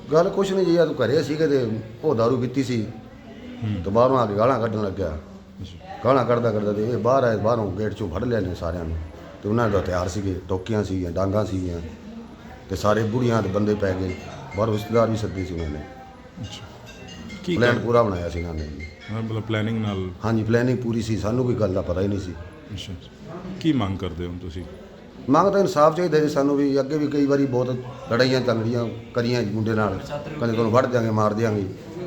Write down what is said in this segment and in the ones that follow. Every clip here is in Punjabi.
ਗੱਲ ਕੁਛ ਨਹੀਂ ਜੀ, ਆ ਤੂੰ ਘਰੇ ਸੀਗੇ ਤੇ ਉਹ ਦਾਰੂ ਪੀਤੀ ਸੀ ਤੇ ਬਾਹਰੋਂ ਆ ਕੇ ਗਾਲਾਂ ਕੱਢਣ ਲੱਗਿਆ। ਗਾਲਾਂ ਕੱਢਦਾ ਕੱਢਦਾ ਤੇ ਇਹ ਬਾਹਰ ਆਏ, ਬਾਹਰੋਂ ਗੇਟ 'ਚੋਂ ਫੜ ਲਿਆ ਨੇ ਸਾਰਿਆਂ ਨੂੰ। ਤੇ ਉਹਨਾਂ ਦੇ ਹਥਿਆਰ ਸੀਗੇ, ਟੋਕੀਆਂ ਸੀਗੀਆਂ, ਡਾਂਗਾਂ ਸੀਗੀਆਂ ਤੇ ਸਾਰੇ ਬੁੜੀਆਂ ਦੇ ਬੰਦੇ ਪੈ ਗਏ। ਬਾਹਰੋਂ ਰਿਸ਼ਤੇਦਾਰ ਵੀ ਸੱਦੇ ਸੀ ਉਹਨਾਂ ਨੇ। ਕੀ ਪਲਾਨ ਪੂਰਾ ਬਣਾਇਆ ਸੀ ਇਹਨਾਂ ਨੇ ਜੀ। ਮਤਲਬ ਪਲੈਨਿੰਗ ਨਾਲ? ਹਾਂਜੀ, ਪਲੈਨਿੰਗ ਪੂਰੀ ਸੀ, ਸਾਨੂੰ ਕੋਈ ਗੱਲ ਦਾ ਪਤਾ ਹੀ ਨਹੀਂ ਸੀ। ਅੱਛਾ, ਕੀ ਮੰਗ ਕਰਦੇ ਹੋ ਤੁਸੀਂ? ਮੰਗ ਤਾਂ ਇਨਸਾਫ ਚਾਹੀਦਾ ਜੀ ਸਾਨੂੰ ਵੀ। ਅੱਗੇ ਵੀ ਕਈ ਵਾਰੀ ਬਹੁਤ ਲੜਾਈਆਂ ਝਗੜੀਆਂ ਕਰੀਆਂ ਜੀ ਮੁੰਡੇ ਨਾਲ, ਕਦੇ ਤੁਹਾਨੂੰ ਵੱਢ ਦਿਆਂਗੇ, ਮਾਰ ਦਿਆਂਗੇ।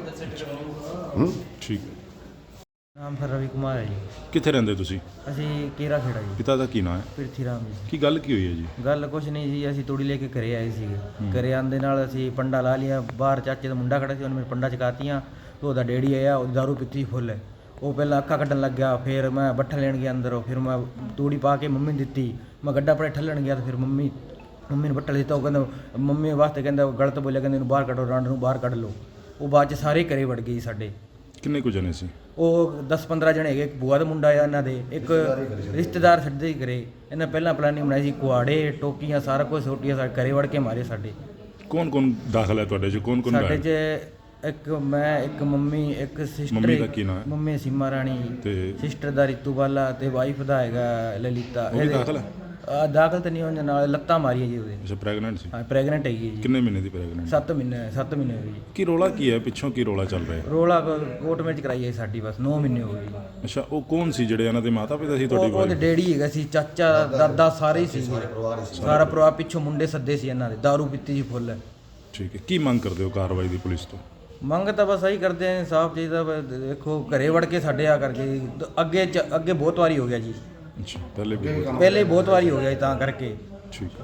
ਠੀਕ। ਨਾਮ ਫਿਰ ਰਵੀ ਕੁਮਾਰ ਹੈ ਜੀ। ਕਿੱਥੇ ਰਹਿੰਦੇ ਤੁਸੀਂ? ਅਸੀਂ ਕੇਰਾ ਖੇੜਾ ਜੀ। ਪਿਤਾ ਦਾ ਕੀ ਨਾਮ ਹੈ? ਪਿਰਥੀ ਰਾਮ ਜੀ। ਕੀ ਗੱਲ ਕੀ ਹੋਈ ਹੈ ਜੀ? ਗੱਲ ਕੁਛ ਨਹੀਂ ਜੀ, ਅਸੀਂ ਤੂੜੀ ਲੈ ਕੇ ਘਰੇ ਆਏ ਸੀਗੇ। ਘਰੇ ਆਉਣ ਦੇ ਨਾਲ ਅਸੀਂ ਪੰਡਾ ਲਾ ਲਿਆ। ਬਾਹਰ ਚਾਚੇ ਦਾ ਮੁੰਡਾ ਖੜਾ ਸੀ, ਉਹਨੇ ਮੇਰੇ ਪੰਡਾ ਚਕਾਤੀਆਂ। ਤੇ ਉਹਦਾ ਡੈਡੀ ਆਇਆ, ਉਹਦੀ ਦਾਰੂ ਪੀਤੀ ਫੁੱਲ। ਉਹ ਪਹਿਲਾਂ ਅੱਖਾਂ ਕੱਢਣ ਲੱਗਿਆ, ਫਿਰ ਮੈਂ ਬੱਠਾ ਲੈਣ ਗਿਆ ਅੰਦਰੋਂ। ਫਿਰ ਮੈਂ ਤੂੜੀ ਪਾ ਕੇ ਮੰਮੀ ਨੂੰ ਦਿੱਤੀ। ਮੈਂ ਗੱਡਾ ਪਰੇ ਠੱਲਣ ਗਿਆ ਤੇ ਫਿਰ ਮੰਮੀ ਨੂੰ ਬੱਠਾ ਦਿੱਤਾ। ਉਹ ਕਹਿੰਦਾ ਮੰਮੀ ਵਾਸਤੇ, ਕਹਿੰਦਾ ਗਲਤ ਬੋਲਿਆ, ਕਹਿੰਦੇ ਇਹਨੂੰ ਬਾਹਰ ਕੱਢੋ, ਰਾਂਡ ਨੂੰ ਬਾਹਰ ਕੱਢ ਲਓ। ਉਹ ਬਾਅਦ 'ਚ ਸਾਰੇ ਘਰੇ ਵੜ ਗਏ ਸਾਡੇ। ਕਿੰਨੇ ਕੁ ਜਣੇ ਸੀ? ਉਹ 10-15 ਜਣੇ ਹੈਗੇ। ਇੱਕ ਬੂਆ ਦਾ ਮੁੰਡਾ ਆ ਇਹਨਾਂ ਦੇ, ਇੱਕ ਰਿਸ਼ਤੇਦਾਰ ਛੱਡਦੇ ਹੀ ਘਰੇ। ਇਹਨਾਂ ਪਹਿਲਾਂ ਪਲਾਨਿੰਗ ਬਣਾਈ ਸੀ, ਕੁਆੜੇ, ਟੋਕੀਆਂ, ਸਾਰਾ ਕੁਝ ਸੋਟੀਆਂ ਸਾਡੇ ਘਰੇ ਵੜ ਕੇ ਮਾਰੇ ਸਾਡੇ। ਕੌਣ ਕੌਣ ਦਾਖਲ ਹੈ ਤੁਹਾਡੇ 'ਚ? ਕੌਣ ਕੌਣ ਸਾਡੇ 'ਚ ਇੱਕ ਮੈਂ, ਇੱਕ ਮੰਮੀ, ਇੱਕ ਸਿਸਟਰ। ਮੰਮੀ ਦਾ ਕੀ ਨਾਮ ਹੈ? ਮੰਮੀ ਸੀਮਾ ਰਾਣੀ ਤੇ ਸਿਸਟਰ ਦਾ ਰਿਤੂ ਬਾਲਾ ਤੇ ਵਾਈਫ ਦਾ ਹੈਗਾ ਲਲਿਤਾ। ਉਹ ਵੀ ਦਾਖਲ ਹੈ? ਦਾਖਲ ਤਾਂ ਨਹੀਂ ਹੋਣ ਨਾਲ, ਲੱਤਾਂ ਮਾਰੀਆਂ ਜੀ ਉਹਦੇ। ਅੱਛਾ, ਪ੍ਰੈਗਨੈਂਟ ਸੀ? ਹਾਂ, ਪ੍ਰੈਗਨੈਂਟ ਹੈਗੀ ਜੀ। ਕਿੰਨੇ ਮਹੀਨੇ ਦੀ ਪ੍ਰੈਗਨੈਂਟ? 7 ਮਹੀਨੇ ਹੋ ਗਏ ਜੀ। ਕੀ ਰੋਲਾ ਕੀ ਹੈ ਪਿੱਛੋਂ? ਕੀ ਰੋਲਾ ਚੱਲ ਰਿਹਾ? ਰੋਲਾ ਕੋਰਟ ਮੈਚ ਕਰਾਈ ਹੈ ਸਾਡੀ, ਬਸ 9 ਮਹੀਨੇ ਹੋ ਗਏ ਜੀ। ਅੱਛਾ, ਉਹ ਕੌਣ ਸੀ ਜਿਹੜੇ ਇਹਨਾਂ ਦੇ ਮਾਤਾ ਪਿਤਾ ਸੀ ਤੁਹਾਡੀ? ਉਹਦੇ ਡੈਡੀ ਹੈਗਾ ਸੀ, ਚਾਚਾ, ਦਾਦਾ, ਸਾਰੇ ਹੀ ਸੀ। ਸਾਰਾ ਪਰਿਵਾਰ ਪਿੱਛੋਂ ਮੁੰਡੇ ਸੱਦੇ ਸੀ ਇਹਨਾਂ ਦੇ, ਦਾਰੂ ਪੀਤੀ ਸੀ ਫੁੱਲ। ਠੀਕ ਹੈ, ਕੀ ਮੰਗ ਕਰਦੇ ਹੋ ਕਾਰਵਾਈ ਦੀ ਪੁਲਿਸ ਤੋਂ? ਮੰਗ ਤਾਂ ਬਸ ਆਹੀ ਕਰਦੇ ਆ, ਇਨਸਾਫ ਚਾਹੀਦਾ। ਦੇਖੋ ਘਰੇ ਵੜ ਕੇ ਸਾਡੇ ਆ ਕਰਕੇ ਅੱਗੇ ਬਹੁਤ ਵਾਰੀ ਹੋ ਗਿਆ ਜੀ। ਅੱਛਾ, ਪਹਿਲੇ ਪਹਿਲੇ ਬਹੁਤ ਵਾਰੀ ਹੋ ਗਿਆ ਜੀ, ਤਾਂ ਕਰਕੇ। ਠੀਕ ਹੈ।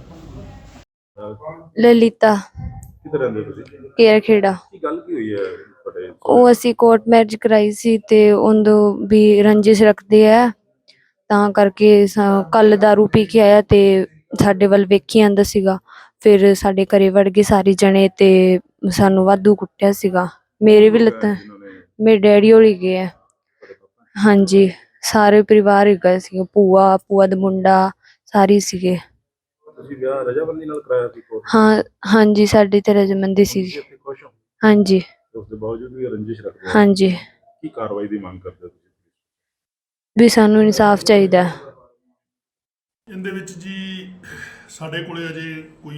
ਲਲਿਤਾ ਕਿੱਥੇ ਰਹਿੰਦੇ ਤੁਸੀਂ? ਕੇਰਾ ਖੇੜਾ। ਕੀ ਗੱਲ ਕੀ ਹੋਈ ਹੈ ਤੁਹਾਡੇ? ਉਹ ਅਸੀਂ ਕੋਰਟ ਮੈਰਿਜ ਕਰਾਈ ਸੀ ਤੇ ਉਹਦੋਂ ਵੀ ਰੰਜਿਸ਼ ਰੱਖਦੇ ਆ, ਤਾਂ ਕਰਕੇ ਕੱਲ ਦਾਰੂ ਪੀ ਕੇ ਆਇਆ ਤੇ ਸਾਡੇ ਵੱਲ ਵੇਖੀ ਆਂਦਾ ਸੀਗਾ। ਫਿਰ ਸਾਡੇ ਘਰੇ ਵੜ ਗਏ ਸਾਰੇ ਜਣੇ ਤੇ ਸਾਨੂੰ ਵਾਧੂ ਕੁੱਟਿਆ ਸੀਗਾ। ਮੇਰੇ ਵੀ ਲੱਤਾਂ, ਮੇਰੇ ਡੈਡੀ ਹੋਲੀ ਗਏ ਆ। ਹਾਂਜੀ, ਸਾਰੇ ਪਰਿਵਾਰ ਹੈਗਾ ਸੀਗਾ, ਭੂਆ ਦਾ ਮੁੰਡਾ ਸਾਰੇ ਸੀਗੇ। ਤੁਸੀਂ ਵਿਆਹ ਰਜਾਮੰਦੀ ਨਾਲ ਕਰਾਇਆ ਸੀ ਕੋਰਟ? ਹਾਂ ਹਾਂਜੀ, ਸਾਡੀ ਤੇ ਰਜਾਮੰਦੀ ਸੀ। ਖੁਸ਼ ਹੋ? ਹਾਂਜੀ। ਉਸ ਦੇ ਬਾਵਜੂਦ ਵੀ ਰੰਜਿਸ਼ ਰੱਖਦੇ ਹੋ? ਹਾਂਜੀ। ਕੀ ਕਾਰਵਾਈ ਦੀ ਮੰਗ ਕਰਦੇ ਹੋ ਤੁਸੀਂ? ਵੀ ਸਾਨੂੰ ਇਨਸਾਫ ਚਾਹੀਦਾ। ਇਹਦੇ ਵਿੱਚ ਜੀ ਸਾਡੇ ਕੋਲੇ ਅਜੇ ਕੋਈ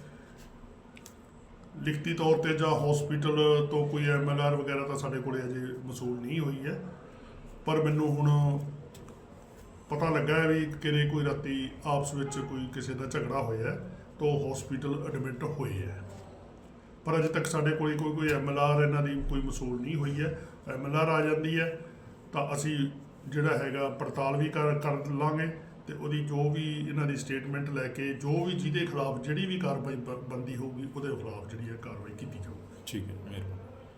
ਲਿਖਤੀ ਤੌਰ ਤੇ ਜਾਂ ਹਸਪੀਟਲ ਤੋਂ ਕੋਈ MLR ਵਗੈਰਾ ਤਾਂ ਸਾਡੇ ਕੋਲੇ ਅਜੇ ਮਸੂਲ ਨਹੀਂ ਹੋਈ ਹੈ। ਪਰ ਮੈਨੂੰ ਹੁਣ ਪਤਾ ਲੱਗਾ ਹੈ ਵੀ ਕਿਤੇ ਕੋਈ ਰਾਤੀ ਆਪਸ ਵਿੱਚ ਕੋਈ ਕਿਸੇ ਦਾ ਝਗੜਾ ਹੋਇਆ ਤਾਂ ਉਹ ਹਸਪੀਟਲ ਐਡਮਿਟ ਹੋਏ ਹੈ। ਪਰ ਅਜੇ ਤੱਕ ਸਾਡੇ ਕੋਲੇ ਕੋਈ MLR ਇਹਨਾਂ ਦੀ ਕੋਈ ਮਸੂਲ ਨਹੀਂ ਹੋਈ ਹੈ। MLR ਆ ਜਾਂਦੀ ਹੈ ਤਾਂ ਅਸੀਂ ਜਿਹੜਾ ਹੈਗਾ ਪੜਤਾਲ ਵੀ ਕਰ ਲਾਂਗੇ ਤੇ ਉਹਦੀ ਜੋ ਵੀ ਇਹਨਾਂ ਦੀ ਸਟੇਟਮੈਂਟ ਲੈ ਕੇ ਜੋ ਵੀ ਜਿਹਦੇ ਖਿਲਾਫ ਜਿਹੜੀ ਵੀ ਕਾਰਵਾਈ ਬਣਦੀ ਹੋਊਗੀ ਉਹਦੇ ਖਿਲਾਫ ਜਿਹੜੀ ਹੈ ਕਾਰਵਾਈ ਕੀਤੀ ਜਾਊਗੀ। ਠੀਕ ਹੈ, ਮਿਹਰਬਾਨੀ।